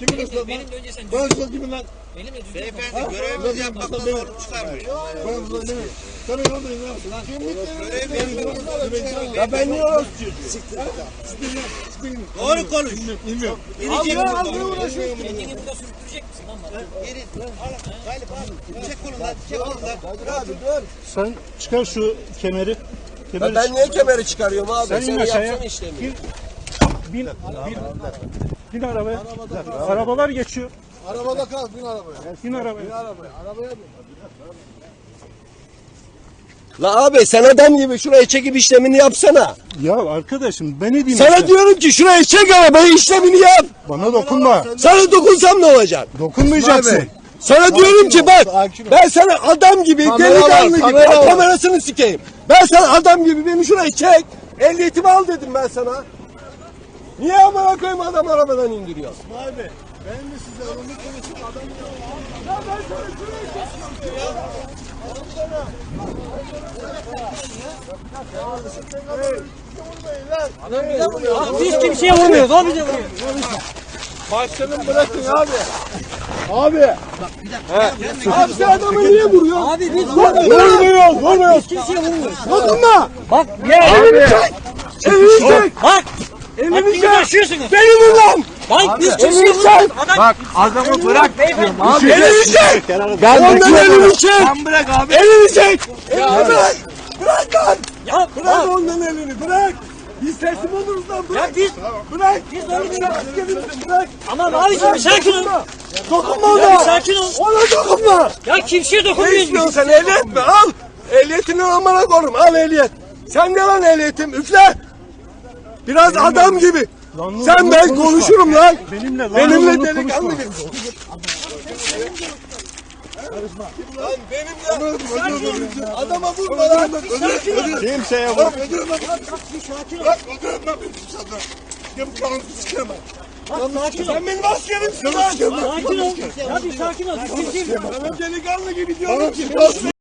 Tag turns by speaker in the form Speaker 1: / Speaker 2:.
Speaker 1: Kimin ıslat lan?
Speaker 2: Benim de önce sen
Speaker 1: Ben ıslat kimin lan?
Speaker 2: benimle düzgün
Speaker 3: Beyefendi görevimizi yapmaktan zorluk çıkarmayın.
Speaker 1: Ben ıslat değil mi? Sen yoldayım lan.
Speaker 3: Görevimizi
Speaker 1: Ya ben niye orası
Speaker 3: doğru konuş.
Speaker 1: bilmiyorum.
Speaker 3: İnecek buradan.
Speaker 2: Kendini burada sürüktürecek misin lan bana?
Speaker 3: Geri. Galip abi. Çek kolundan. Çek kolundan.
Speaker 4: Abi dur.
Speaker 5: Sen çıkar şu kemeri. Kemeri
Speaker 4: Ben niye kemeri çıkarıyorum abi?
Speaker 5: Sen
Speaker 4: Sen
Speaker 5: in aşağıya.
Speaker 4: yapsana işlemi.
Speaker 5: bin arabaya. Arabalar geçiyor.
Speaker 1: Arabada kal, bin arabaya.
Speaker 5: Bin arabaya.
Speaker 1: Arabaya bin.
Speaker 4: La abi sen adam gibi şuraya çekip işlemini yapsana.
Speaker 5: Ya arkadaşım ben ne diyeyim?
Speaker 4: Sana
Speaker 5: işte?
Speaker 4: diyorum ki şuraya çek arabayı işlemini yap.
Speaker 5: Bana dokunma.
Speaker 4: Sana dokunsam ne olacak?
Speaker 5: Dokunmayacaksın.
Speaker 4: Sana diyorum ki bak
Speaker 1: sakin ol.
Speaker 4: ben sana adam gibi
Speaker 1: Kamera var,
Speaker 4: delikanlı gibi
Speaker 1: kamera var.
Speaker 4: kamerasını sikeyim. Ben sana adam gibi beni şuraya çek. Ehliyetimi al dedim ben sana. Niye amına koyayım adam arabadan indiriyor?
Speaker 1: İsmail Bey, ben de size önümü konuşup adam
Speaker 4: Ya ben sana şuraya çek.
Speaker 2: Biz kimseye vurmuyoruz abi de vuruyor.
Speaker 1: Başkanım bırakın abi. Abi.
Speaker 4: Abi sen adamı niye vuruyorsun?
Speaker 2: Abi biz
Speaker 4: Vurmuyoruz.
Speaker 2: kimseye vurmuyoruz.
Speaker 4: Dokunma.
Speaker 2: Bak ya.
Speaker 4: Elini çek. Elini çek.
Speaker 2: Bak.
Speaker 4: Elini
Speaker 2: Elini
Speaker 4: çek.
Speaker 2: taşıyorsunuz.
Speaker 4: Beni vur lan.
Speaker 2: Bak biz kimseye
Speaker 4: Elini
Speaker 2: vurmuyoruz.
Speaker 4: çek.
Speaker 2: Adam
Speaker 1: Adamı bırak.
Speaker 2: beyefendi.
Speaker 4: Elini çek. Ondan elini çek.
Speaker 1: Sen bırak abi.
Speaker 4: Elini çek. Elini bırak. Bırak lan.
Speaker 2: Ya
Speaker 4: Bırak ondan elini. Bırak. Biz teslim oluruz lan.
Speaker 2: ya
Speaker 4: Bırak.
Speaker 2: biz
Speaker 4: Bırak.
Speaker 2: biz öyle bir şey.
Speaker 4: Askerimizin bırak.
Speaker 2: Aman abiciğim sakin ol.
Speaker 4: Dokunma
Speaker 2: Ya bir
Speaker 4: ona.
Speaker 2: sakin ol.
Speaker 4: Ona dokunma.
Speaker 2: Ya kimseye
Speaker 4: Ne
Speaker 2: dokunmuyoruz
Speaker 4: istiyorsun
Speaker 2: biz.
Speaker 4: sen ehliyet mi? Al. Ehliyetini amına korum. Al ehliyet. Sen de lan ehliyetim. Üfle. Biraz adam gibi.
Speaker 5: Lan
Speaker 4: Sen ben
Speaker 5: konuşma.
Speaker 4: konuşurum lan.
Speaker 5: Benimle lan
Speaker 4: Benimle
Speaker 5: konuşma.
Speaker 4: delikanlı gibi. Lan benimle. Adama vurma lan.
Speaker 5: Kimseye vur.
Speaker 4: Bak öldürün lan. Bak öldürün lan beni dışarıda. Ya bu kanunu sikemem.
Speaker 2: Sakin ol.
Speaker 4: Sen benim askerimsin lan.
Speaker 2: Sakin ol. Ya bir sakin ol. Biz kimseyi
Speaker 4: Ben delikanlı gibi diyorum ki.